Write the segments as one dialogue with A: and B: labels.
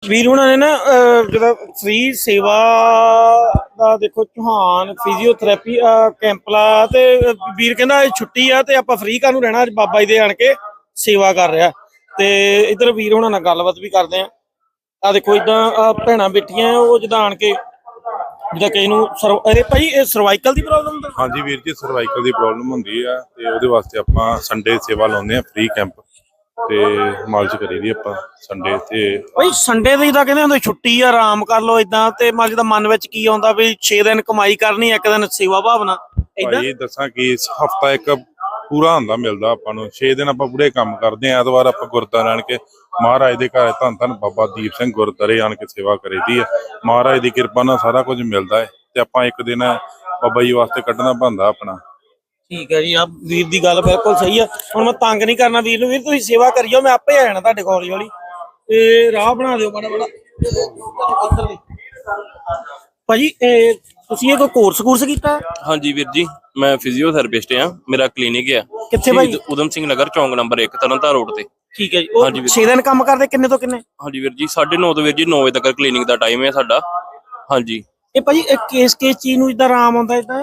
A: ਵੀਰ ਹੁਣਾਂ ਨੇ ਨਾ ਜਿਹੜਾ ਫ੍ਰੀ ਸੇਵਾ ਦਾ ਦੇਖੋ ਚੌਹਾਨ ਫਿਜ਼ੀਓਥੈਰੇਪੀ ਕੈਂਪ ਲਾ ਤੇ ਵੀਰ ਕਹਿੰਦਾ ਛੁੱਟੀ ਆ ਤੇ ਆਪਾਂ ਫ੍ਰੀ ਕਾਹਨੂੰ ਰਹਿਣਾ, ਅੱਜ ਬਾਬਾ ਜੀ ਦੇ ਆਣ ਕੇ ਸੇਵਾ ਕਰ ਰਿਹਾ। ਤੇ ਇਧਰ ਵੀਰ ਹੁਣਾਂ ਨਾਲ ਗੱਲਬਾਤ ਵੀ ਕਰਦੇ ਆ ਦੇਖੋ ਇਦਾਂ ਭੈਣਾਂ ਬੈਠੀਆਂ ਉਹ ਜਿੱਦਾਂ ਆਣ ਕੇ ਜਿੱਦਾਂ ਕਿਸੇ ਨੂੰ ਅਰੇ ਭਾਈ ਇਹ ਸਰਵਾਈਕਲ ਦੀ ਪ੍ਰੋਬਲਮ ਦਾ।
B: ਹਾਂਜੀ ਵੀਰ ਜੀ, ਸਰਵਾਈਕਲ ਦੀ ਪ੍ਰੋਬਲਮ ਹੁੰਦੀ ਆ ਤੇ ਉਹਦੇ ਵਾਸਤੇ ਆਪਾਂ ਸੰਡੇ ਸੇਵਾ ਲਾਉਂਦੇ ਆ, ਫ੍ਰੀ ਕੈਂਪ ਤੇ ਮਾਲਸ਼ ਕਰੀ ਦੀ ਆਪਾਂ ਸੰਡੇ ਤੇ।
A: ਭਾਈ ਸੰਡੇ ਦੀ ਤਾਂ ਕਹਿੰਦੇ ਹੁੰਦੇ ਛੁੱਟੀ ਆ, ਆਰਾਮ ਕਰ ਲਓ ਇਦਾਂ, ਤੇ ਮਾਲਸ਼ ਦਾ ਮਨ ਵਿੱਚ ਕੀ ਆਉਂਦਾ ਵੀ 6 ਦਿਨ ਕਮਾਈ ਕਰਨੀ, ਇੱਕ ਦਿਨ ਸੇਵਾ ਭਾਵਨਾ ਇਦਾਂ।
B: ਭਾਈ ਦੱਸਾਂ ਕਿ ਹਫਤਾ ਇੱਕ ਪੂਰਾ ਹੁੰਦਾ ਮਿਲਦਾ ਆਪਾਂ ਨੂੰ, 6 ਦਿਨ ਆਪਾਂ ਪੂਰੇ ਕੰਮ ਕਰਦੇ ਆ। ਐਤਵਾਰ ਆਪਾਂ ਗੁਰਦੁਆਰੇ ਆਣ ਕੇ ਮਹਾਰਾਜ ਦੇ ਘਰ ਧੰਨ ਧੰਨ ਬਾਬਾ ਦੀਪ ਸਿੰਘ ਗੁਰਦੁਆਰੇ ਆਣ ਕੇ ਸੇਵਾ ਕਰੀਦੀ ਆ। ਮਹਾਰਾਜ ਦੀ ਕਿਰਪਾ ਨਾਲ ਸਾਰਾ ਕੁਝ ਮਿਲਦਾ ਹੈ ਤੇ ਆਪਾਂ ਇੱਕ ਦਿਨ ਬਾਬਾ ਜੀ ਵਾਸਤੇ ਕੱਢਣਾ ਬਣਦਾ ਆਪਣਾ।
A: ਠੀਕ ਹੈ ਜੀ, ਆ ਵੀਰ ਦੀ ਗੱਲ ਬਿਲਕੁਲ ਸਹੀ ਆ। ਹੁਣ ਮੈਂ ਤੰਗ ਨਹੀਂ ਕਰਨਾ ਵੀਰ ਨੂੰ, ਵੀਰ ਤੁਸੀਂ ਸੇਵਾ ਕਰਿਓ, ਮੈਂ ਆਪੇ ਆ ਜਾਣਾ ਤੁਹਾਡੇ ਕੋਲ ਹੌਲੀ ਹੌਲੀ, ਤੇ ਰਾਹ ਬਣਾ ਦਿਓ ਬੜਾ ਬੜਾ। ਭਾਜੀ ਤੁਸੀਂ ਇਹ ਕੋਈ ਕੋਰਸ ਕੀਤਾ?
C: ਹਾਂਜੀ ਵੀਰ ਜੀ, ਮੈਂ ਫਿਜ਼ੀਓਥੈਰੇਪਿਸਟ ਆ, ਮੇਰਾ ਕਲੀਨਿਕ ਆ
A: ਕਿੱਥੇ ਭਾਈ?
C: ਉਦਮ ਸਿੰਘ ਨਗਰ, ਚੌਂਕ ਨੰਬਰ 1, ਤਰਨਤਾਰਨ ਰੋਡ ਤੇ।
A: ਠੀਕ ਹੈ ਜੀ, ਉਹ 6 ਦਿਨ ਕੰਮ ਕਰਦੇ ਕਿੰਨੇ ਤੋਂ ਕਿੰਨੇ?
C: ਹਾਂਜੀ ਵੀਰ ਜੀ, 9:30 ਤੋਂ ਵੀਰ ਜੀ 9 ਵਜੇ ਤੱਕ ਕਲੀਨਿਕ ਦਾ ਟਾਈਮ ਹੈ ਸਾਡਾ। ਹਾਂਜੀ
A: ਇਹ ਭਾਜੀ ਕਿਸ ਚੀਜ਼ ਨੂੰ ਇਦਾਂ ਆਰਾਮ ਆਉਂਦਾ ਇਦਾਂ?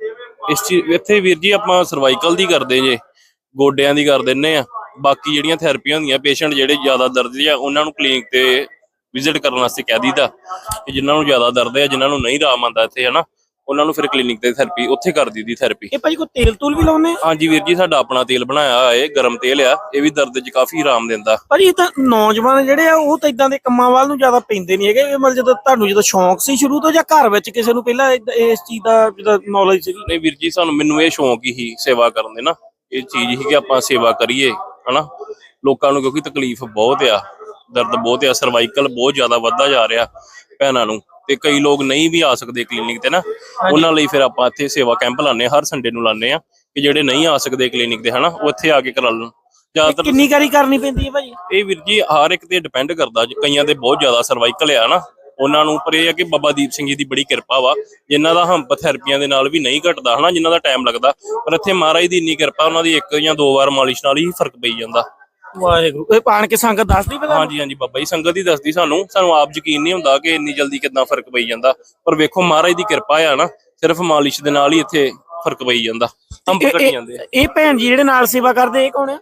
C: ਇਸ ਚੀਜ਼ ਇੱਥੇ ਵੀਰ ਜੀ ਆਪਾਂ ਸਰਵਾਈਕਲ ਦੀ ਕਰਦੇ ਜੇ, ਗੋਡਿਆਂ ਦੀ ਕਰ ਦਿੰਨੇ ਆ। ਬਾਕੀ ਜਿਹੜੀਆਂ ਥੈਰੇਪੀਆਂ ਹੁੰਦੀਆਂ, ਪੇਸ਼ੈਂਟ ਜਿਹੜੇ ਜ਼ਿਆਦਾ ਦਰਦ ਆ ਉਹਨਾਂ ਨੂੰ ਕਲੀਨਿਕ ਤੇ ਵਿਜ਼ਿਟ ਕਰਨ ਵਾਸਤੇ ਕਹਿ ਦਈਦਾ ਕਿ ਜਿਨ੍ਹਾਂ ਨੂੰ ਜ਼ਿਆਦਾ ਦਰਦ ਹੈ, ਜਿਨ੍ਹਾਂ ਨੂੰ ਨਹੀਂ ਆਰਾਮ ਆਉਂਦਾ ਇੱਥੇ ਹਨਾ, ਉਹਨਾਂ ਨੂੰ ਫਿਰ ਕਲੀਨਿਕ ਤੇ ਥੈਰੇਪੀ ਉੱਥੇ ਕਰ ਦਈਦੀ ਥੈਰੇਪੀ।
A: ਇਹ ਭਾਜੀ ਕੋਈ ਤੇਲ ਤੂਲ ਵੀ ਲਾਉਂਦੇ?
C: ਹਾਂਜੀ ਵੀਰ ਜੀ, ਸਾਡਾ ਆਪਣਾ ਤੇਲ ਬਣਾਇਆ ਹੋਇਆ ਹੈ, ਗਰਮ ਤੇਲ ਆ, ਇਹ ਵੀ ਦਰਦ 'ਚ ਕਾਫੀ ਆਰਾਮ ਦਿੰਦਾ।
A: ਭਾਜੀ ਇਹ ਤਾਂ ਨੌਜਵਾਨ ਜਿਹੜੇ ਆ ਉਹ ਤਾਂ ਇਦਾਂ ਦੇ ਕੰਮਾਂ ਵੱਲ ਨੂੰ ਜ਼ਿਆਦਾ ਪੈਂਦੇ ਨਹੀਂ ਹੈਗੇ, ਮਤਲਬ ਜਦੋਂ ਤੁਹਾਨੂੰ ਜਦੋਂ ਸ਼ੌਂਕ ਸੀ ਸ਼ੁਰੂ ਤੋਂ, ਜਾਂ ਘਰ ਵਿੱਚ ਕਿਸੇ ਨੂੰ ਪਹਿਲਾਂ ਇਸ ਚੀਜ਼ ਦਾ ਜਿਹਦਾ ਨੌਲੇਜ ਸੀ?
C: ਨਹੀਂ ਵੀਰ ਜੀ, ਮੈਨੂੰ ਇਹ ਸ਼ੌਂਕ ਹੀ ਸੇਵਾ ਕਰਨ ਦੇ ਨਾ, ਇਹ ਚੀਜ਼ ਹੀ ਕਿ ਆਪਾਂ ਸੇਵਾ ਕਰੀਏ ਹਨਾ ਲੋਕਾਂ ਨੂੰ, ਕਿਉਂਕਿ ਤਕਲੀਫ ਬਹੁਤ ਆ, ਦਰਦ ਬਹੁਤ ਆ, ਸਰਵਾਈਕਲ ਬਹੁਤ ਜ਼ਿਆਦਾ ਵੱਧਦਾ ਜਾ ਰਿਹਾ ਭੈਣਾਂ ਨੂੰ, ਤੇ ਕਈ ਲੋਕ ਨਹੀਂ ਵੀ ਆ ਸਕਦੇ ਕਲੀਨਿਕ ਤੇ ਨਾ, ਉਹਨਾਂ ਲਈ ਫਿਰ ਆਪਾਂ ਇੱਥੇ ਸੇਵਾ ਕੈਂਪ ਲਾਉਂਦੇ ਆ, ਹਰ ਸੰਡੇ ਨੂੰ ਲਾਉਂਦੇ ਆ ਕਿ ਜਿਹੜੇ ਨਹੀਂ ਆ ਸਕਦੇ ਕਲੀਨਿਕ ਤੇ ਹਨਾ, ਉਹ ਇੱਥੇ ਆ ਕੇ ਕਰਾ ਲੈਣ। ਜ਼ਿਆਦਾਤਰ
A: ਕਿੰਨੀ ਵਾਰੀ ਕਰਨੀ ਪੈਂਦੀ ਹੈ ਭਾਜੀ
C: ਇਹ? ਵੀਰ ਜੀ ਹਰ ਇੱਕ ਤੇ ਡਿਪੈਂਡ ਕਰਦਾ, ਕਈਆਂ ਦੇ ਬਹੁਤ ਜ਼ਿਆਦਾ ਸਰਵਾਈਕਲ ਆ ਨਾ ਉਹਨਾਂ ਨੂੰ, ਪਰ ਇਹ ਆ ਕਿ ਬਾਬਾ ਦੀਪ ਸਿੰਘ ਜੀ ਦੀ ਬੜੀ ਕਿਰਪਾ ਵਾ, ਜਿਨ੍ਹਾਂ ਦਾ ਹੰਪ ਥੈਰੇਪੀਆਂ ਦੇ ਨਾਲ ਵੀ ਨਹੀਂ ਘਟਦਾ ਹਨਾ, ਜਿਨ੍ਹਾਂ ਦਾ ਟਾਈਮ ਲੱਗਦਾ, ਪਰ ਇੱਥੇ ਮਹਾਰਾਜ ਦੀ ਇੰਨੀ ਕਿਰਪਾ, ਉਹਨਾਂ ਦੀ 1 ਜਾਂ 2 ਵਾਰ ਮਾਲਿਸ਼ ਨਾਲ ਹੀ ਫਰਕ ਪਈ ਜਾਂਦਾ।
A: ਵਾਹਿਗੁਰੂ। ਇਹ ਪਾਣ ਕੇ ਸੰਗਤ ਦੱਸਦੀ ਪਤਾ?
C: ਹਾਂਜੀ ਹਾਂਜੀ ਬਾਬਾ ਜੀ, ਸੰਗਤ ਹੀ ਦੱਸਦੀ ਸਾਨੂੰ ਆਪ ਯਕੀਨ ਨਹੀਂ ਹੁੰਦਾ ਕਿ ਇੰਨੀ ਜਲਦੀ ਕਿੱਦਾਂ ਫਰਕ ਪਈ ਜਾਂਦਾ, ਪਰ ਵੇਖੋ ਮਹਾਰਾਜ ਦੀ ਕਿਰਪਾ ਆ ਨਾ, ਸਿਰਫ ਮਾਲਿਸ਼ ਦੇ ਨਾਲ ਹੀ ਇੱਥੇ ਫਰਕ ਪਈ ਜਾਂਦਾ, ਹੰਪ ਘਟ ਜਾਂਦੇ।
A: ਇਹ ਭੈਣ ਜੀ ਜਿਹੜੇ ਨਾਲ ਸੇਵਾ ਕਰਦੇ ਇਹ ਕੌਣ ਆ?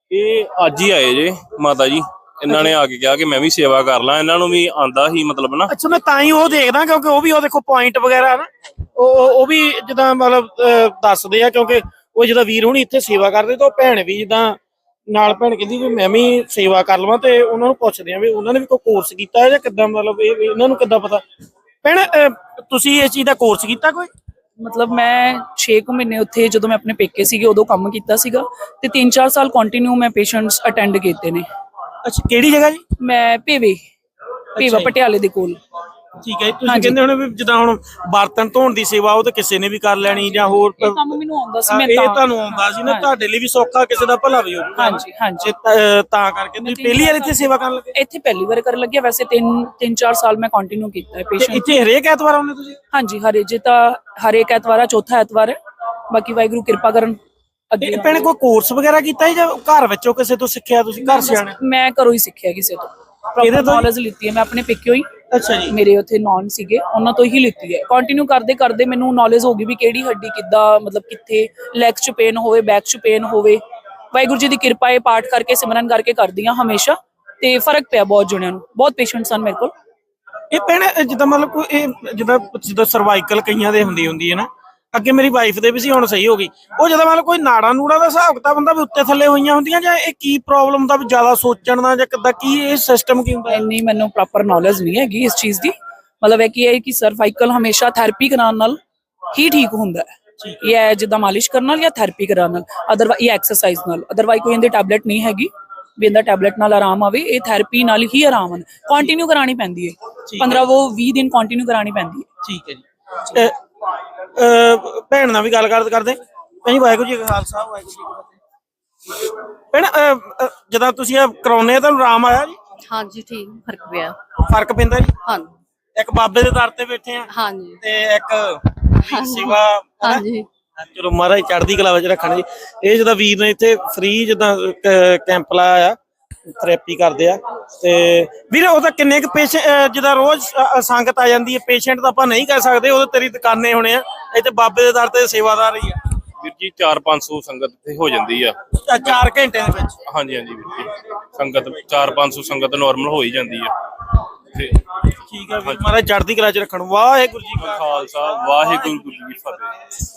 C: ਇਹ ਅੱਜ ਹੀ ਆਏ ਜੇ ਮਾਤਾ ਜੀ, ਇਹਨਾਂ ਨੇ ਆ ਕੇ ਕਿਹਾ ਕਿ ਮੈਂ ਵੀ ਸੇਵਾ ਕਰ ਲਾਂ, ਇਹਨਾਂ ਨੂੰ ਵੀ ਆਂਦਾ ਹੀ ਮਤਲਬ ਨਾ।
A: ਅੱਛਾ, ਮੈਂ ਤਾਂ ਹੀ ਉਹ ਦੇਖਦਾ ਕਿਉਂਕਿ ਉਹ ਵੀ ਉਹ ਦੇਖੋ ਪੁਆਇੰਟ ਵਗੈਰਾ ਨਾ ਉਹ ਵੀ ਜਿੱਦਾਂ ਮਤਲਬ ਦੱਸਦੇ ਆ, ਕਿਉਂਕਿ ਉਹ ਜਿੱਦਾਂ ਵੀਰ ਹੁਣੀ ਇੱਥੇ ਸੇਵਾ ਕਰਦੇ ਤਾਂ ਉਹ ਭੈਣ ਵੀ ਜਿੱਦਾਂ ਨਾਲ ਭੈਣ ਕਹਿੰਦੀ ਵੀ ਮੈਂ ਵੀ ਸੇਵਾ ਕਰ ਲਵਾਂ, ਤੇ ਉਹਨਾਂ ਨੂੰ ਪੁੱਛਦੇ ਆ ਵੀ ਉਹਨਾਂ ਨੇ ਵੀ ਕੋਈ ਕੋਰਸ ਕੀਤਾ ਹੈ ਜਾਂ ਕਿੱਦਾਂ, ਮਤਲਬ ਇਹ ਇਹਨਾਂ ਨੂੰ ਕਿੱਦਾਂ ਪਤਾ? ਭੈਣ ਤੁਸੀਂ ਇਸ ਚੀਜ਼ ਦਾ ਕੋਰਸ ਕੀਤਾ ਕੋਈ?
D: ਮਤਲਬ ਮੈਂ 6 ਮਹੀਨੇ ਉੱਥੇ ਜਦੋਂ ਮੈਂ ਆਪਣੇ ਪੇਕੇ ਸੀਗੇ ਉਦੋਂ ਕੰਮ ਕੀਤਾ ਸੀਗਾ, ਤੇ 3-4 ਸਾਲ ਕੰਟੀਨਿਊ ਮੈਂ ਪੇਸ਼ੈਂਟਸ ਅਟੈਂਡ ਕੀਤੇ ਨੇ।
A: ਅੱਛਾ, ਕਿਹੜੀ ਜਗ੍ਹਾ ਜੀ?
D: ਮੈਂ ਭੇਵਾ ਪਟਿਆਲੇ ਦੇ ਕੋਲ।
A: ਠੀਕ ਹੈ, ਤੁਸੀਂ ਕਹਿੰਦੇ ਹੁਣ ਵੀ ਜਿੱਦਾਂ ਹੁਣ ਬਰਤਨ ਧੋਣ ਦੀ ਸੇਵਾ ਉਹ ਤਾਂ ਕਿਸੇ ਨੇ ਵੀ ਕਰ ਲੈਣੀ, ਜਾਂ ਹੋਰ
D: ਕੰਮ ਮੈਨੂੰ ਆਉਂਦਾ ਸੀ, ਮੈਂ
A: ਇਹ ਤੁਹਾਨੂੰ ਆਉਂਦਾ ਸੀ ਨਾ, ਤੁਹਾਡੇ ਲਈ ਵੀ ਸੌਖਾ, ਕਿਸੇ ਦਾ ਭਲਾ ਵੀ ਹੋ ਜਾਊਗਾ।
D: ਹਾਂਜੀ ਹਾਂਜੀ,
A: ਤਾਂ ਕਰਕੇ ਤੁਸੀਂ ਪਹਿਲੀ ਵਾਰ ਇੱਥੇ ਸੇਵਾ ਕਰਨ ਲੱਗੇ?
D: ਇੱਥੇ ਪਹਿਲੀ ਵਾਰ ਕਰਨ ਲੱਗਿਆ, ਵੈਸੇ 3-4 ਸਾਲ ਮੈਂ ਕੰਟੀਨਿਊ ਕੀਤਾ ਹੈ ਪੇਸ਼ੈਂਟ।
A: ਇੱਥੇ ਹਰੇਕ ਐਤਵਾਰ ਆਉਂਦੇ ਤੁਸੀਂ?
D: ਹਾਂਜੀ, ਹਰੇਕ ਐਤਵਾਰ ਆ, ਚੌਥਾ ਐਤਵਾਰ ਹੈ, ਬਾਕੀ ਵਾਹਿਗੁਰੂ ਕਿਰਪਾ ਕਰਨ।
A: ਅੱਗੇ ਭੈਣੇ ਕੋਈ ਕੋਰਸ ਵਗੈਰਾ ਕੀਤਾ ਹੈ ਜਾਂ ਘਰ ਵਿੱਚੋਂ ਕਿਸੇ ਤੋਂ ਸਿੱਖਿਆ ਤੁਸੀਂ? ਘਰ ਸਿਆਣੇ?
D: ਮੈਂ ਘਰੋਂ ਹੀ ਸਿੱਖਿਆ ਕਿਸੇ ਤੋਂ, ਪ੍ਰੋਪਰ ਨੌਲੇਜ ਲਿੱਤੀ ਹੈ ਮੈਂ ਆਪਣੇ ਪੇਕਿਓ ਹੀ।
A: ਅੱਛਾ ਜੀ,
D: ਮੇਰੇ ਉੱਥੇ ਨੌਨ ਸੀਗੇ, ਉਹਨਾਂ ਤੋਂ ਹੀ ਲਿੱਤੀ ਹੈ। ਕੰਟੀਨਿਊ ਕਰਦੇ ਕਰਦੇ ਮੈਨੂੰ ਨੌਲੇਜ ਹੋ ਗਈ ਵੀ ਕਿਹੜੀ ਹੱਡੀ ਕਿੱਦਾਂ, ਮਤਲਬ ਕਿੱਥੇ ਲੈਗਸ 'ਚ ਪੇਨ ਹੋਵੇ, ਬੈਕ 'ਚ ਪੇਨ ਹੋਵੇ। ਵਾਹਿਗੁਰੂ ਜੀ ਦੀ ਕਿਰਪਾ ਹੈ, ਪਾਠ ਕਰਕੇ ਸਿਮਰਨ ਕਰਕੇ ਕਰਦੀ ਹਾਂ ਹਮੇਸ਼ਾ, ਤੇ ਫਰਕ ਪਿਆ ਬਹੁਤ ਜਣਿਆਂ ਨੂੰ, ਬਹੁਤ ਪੇਸ਼ੈਂਟਸ ਹਨ ਮੇਰੇ ਕੋਲ।
A: ਇਹ ਭੈਣੇ ਜਿੱਦਾਂ ਮਤਲਬ ਕੋਈ ਇਹ ਜਿੱਦਾਂ ਸਰਵਾਈਕਲ ਕਈਆਂ ਦੇ ਹੁੰਦੀ ਹੈ ਨਾ, ਅੱਗੇ ਮੇਰੀ ਵਾਈਫ ਦੇ ਵੀ ਸੀ, ਹੁਣ ਸਹੀ ਹੋ ਗਈ। ਉਹ ਜਦੋਂ ਮਤਲਬ ਕੋਈ ਨਾੜਾ ਨੂੜਾ ਦਾ ਹਿਸਾਬ ਕਿਤਾਬ ਹੁੰਦਾ ਵੀ ਉੱਤੇ ਥੱਲੇ ਹੋਈਆਂ ਹੁੰਦੀਆਂ, ਜਾਂ ਇਹ ਕੀ ਪ੍ਰੋਬਲਮ ਦਾ ਵੀ ਜ਼ਿਆਦਾ ਸੋਚਣ ਦਾ, ਜਾਂ ਕਿੱਦਾਂ ਕੀ ਇਹ ਸਿਸਟਮ ਕੀ ਹੁੰਦਾ?
D: ਇੰਨੀ ਮੈਨੂੰ ਪ੍ਰੋਪਰ ਨੌਲੇਜ ਨਹੀਂ ਹੈਗੀ ਇਸ ਚੀਜ਼ ਦੀ, ਮਤਲਬ ਇਹ ਕੀ ਹੈ ਕਿ ਸਰਵਾਈਕਲ ਹਮੇਸ਼ਾ ਥੈਰੇਪੀ ਕਰਾਉਣ ਨਾਲ ਹੀ ਠੀਕ ਹੁੰਦਾ ਹੈ। ਇਹ ਹੈ ਜਿੱਦਾਂ ਮਾਲਿਸ਼ ਕਰਨ ਨਾਲ ਜਾਂ ਥੈਰੇਪੀ ਕਰਾਉਣ ਨਾਲ, ਅਦਰਵਾਈਜ਼ ਇਹ ਐਕਸਰਸਾਈਜ਼ ਨਾਲ, ਅਦਰਵਾਈਜ਼ ਕੋਈ ਇਹਦੀ ਟੈਬਲੇਟ ਨਹੀਂ ਹੈਗੀ ਵੀ ਇਹਦਾ ਟੈਬਲੇਟ ਨਾਲ ਆਰਾਮ ਆਵੇ। ਇਹ ਥੈਰੇਪੀ ਨਾਲ ਹੀ ਆਰਾਮ ਆਉਂਦਾ, ਕੰਟੀਨਿਊ ਕਰਾਉਣੀ ਪੈਂਦੀ ਹੈ, 15-20 ਦਿਨ ਕੰਟੀਨਿਊ ਕਰਾਉਣੀ ਪੈਂਦੀ ਹੈ।
A: ਠੀਕ ਹੈ ਜੀ। ਭੈਣ ਨਾਲ ਵੀ ਗੱਲ ਕਰਦੇ ਭਾਈ। ਵਾਹਿਗੁਰੂ ਜੀ ਕਾ ਖਾਲਸਾ, ਵਾਹਿਗੁਰੂ ਜੀ ਕੀ ਫਤਿਹ। ਭੈਣ ਜਦੋਂ ਤੁਸੀਂ ਇਹ ਕਰਾਉਨੇ ਆ ਤੁਹਾਨੂੰ ਆਰਾਮ ਆਇਆ ਜੀ?
E: ਹਾਂਜੀ, ਠੀਕ ਫਰਕ ਪਿਆ।
A: ਫਰਕ ਪੈਂਦਾ ਜੀ?
E: ਹਾਂਜੀ,
A: ਇੱਕ ਬਾਬੇ ਦੇ ਦਰ ਤੇ ਬੈਠੇ ਆ,
E: ਹਾਂਜੀ,
A: ਤੇ ਇੱਕ ਸੇਵਾ।
E: ਹਾਂਜੀ,
A: ਚਲੋ ਮਹਾਰਾਜ ਚੜ੍ਹਦੀ ਕਲਾ ਵਿੱਚ ਰੱਖਣ ਜੀ। ਇਹ ਜਿੱਦਾਂ ਵੀਰ ਨੇ ਇੱਥੇ ਫ੍ਰੀ ਜਿੱਦਾਂ ਕੈਂਪ ਲਾਇਆ ਆ, ਥੈਰੇਪੀ ਕਰਦੇ ਆ। ਤੇ ਵੀਰੇ ਉਹ ਤਾਂ ਕਿੰਨੇ ਕੁ ਪੇਸ਼ੈਂਟ ਜਿਹਦਾ ਰੋਜ਼ ਸੰਗਤ ਆ ਜਾਂਦੀ ਹੈ, ਪੇਸ਼ੈਂਟ ਤਾਂ ਆਪਾਂ ਨਹੀਂ ਕਹਿ ਸਕਦੇ, ਉਹ ਤਾਂ ਤੇਰੀ ਦੁਕਾਨੇ ਹੋਣੇ ਆ, ਇੱਥੇ ਬਾਬੇ ਦੇ ਦਰ ਤੇ ਸੇਵਾਦਾਰ ਹੀ ਆ।
C: ਵੀਰ ਜੀ 400-500 ਸੰਗਤ ਇੱਥੇ ਹੋ ਜਾਂਦੀ ਆ
A: 4 ਘੰਟਿਆਂ ਦੇ ਵਿੱਚ।
C: ਹਾਂਜੀ ਹਾਂਜੀ ਵੀਰ ਜੀ, ਸੰਗਤ 400-500 ਸੰਗਤ ਨਾਰਮਲ ਹੋ ਹੀ ਜਾਂਦੀ ਆ ਤੇ
A: ਠੀਕ ਆ ਵੀਰ, ਮਹਾਰਾਜ ਚੜ੍ਹਦੀ ਕਲਾ ਚ ਰੱਖਣ। ਵਾਹਿਗੁਰੂ ਜੀ ਕਾ
C: ਖਾਲਸਾ ਵਾਹਿਗੁਰੂ ਜੀ ਕੀ ਫਤਿਹ।